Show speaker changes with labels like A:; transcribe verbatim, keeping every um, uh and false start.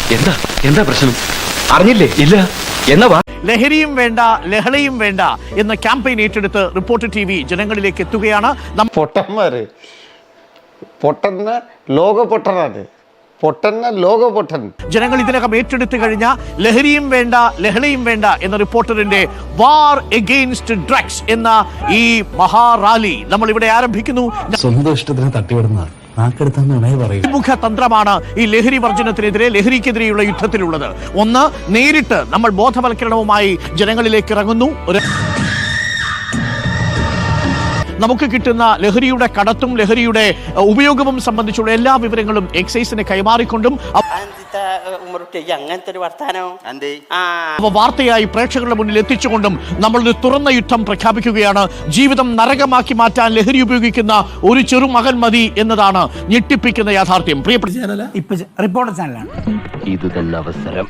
A: എന്താ എന്താ പ്രശ്നം? അറിഞ്ഞില്ലേ? ഇല്ല. എന്നാ വാ.
B: ലഹരിയും വേണ്ട ലഹളയും വേണ്ട എന്ന ക്യാമ്പയിൻ ഏറ്റെടുത്ത് റിപ്പോർട്ടർ ടി വി ജനങ്ങളിലേക്ക് എത്തുകയാണ്.
C: പൊട്ടന്മാര് പൊട്ടന്ന ലോക പൊട്ടനാണ് പൊട്ടന്ന ലോക പൊട്ടൻ.
B: ജനങ്ങൾ ഇതിനകം ഏറ്റെടുത്തു കഴിഞ്ഞ ലഹരിയും വേണ്ട ലഹളയും വേണ്ട എന്ന റിപ്പോർട്ടറിന്റെ വാർ എഗെയിൻസ്റ്റ് ഡ്രഗ്സ് എന്ന ഈ മഹാറാലി നമ്മൾ ഇവിടെ ആരംഭിക്കുന്നു.
D: സ്വന്തം ഇഷ്ടത്തിന് തട്ടിവിടുന്നതാണ്
B: മുഖ തന്ത്രമാണ് ഈ ലഹരി വർജനത്തിനെതിരെ ലഹരിക്കെതിരെയുള്ള യുദ്ധത്തിലുള്ളത്. ഒന്ന്, നേരിട്ട് നമ്മൾ ബോധവൽക്കരണവുമായി ജനങ്ങളിലേക്ക് ഇറങ്ങുന്നു. ഒരു നമുക്ക് കിട്ടുന്ന ലഹരിയുടെ കടത്തും ലഹരിയുടെ ഉപയോഗവും സംബന്ധിച്ചുള്ള എല്ലാ വിവരങ്ങളും എക്സൈസിന് കൈമാറിക്കൊണ്ടും വാർത്തയായി പ്രേക്ഷകരുടെ മുന്നിൽ എത്തിച്ചുകൊണ്ടും നമ്മളൊരു തുറന്ന യുദ്ധം പ്രഖ്യാപിക്കുകയാണ്. ജീവിതം നരകമാക്കി മാറ്റാൻ ലഹരി ഉപയോഗിക്കുന്ന ഒരു ചെറുമകൻ മതി എന്നതാണ് ഞെട്ടിപ്പിക്കുന്ന യാഥാർത്ഥ്യം. പ്രിയപ്പെട്ട
E: റിപ്പോർട്ടർ ചാനലാണ്
A: ഇത് തന്നെ അവസരം.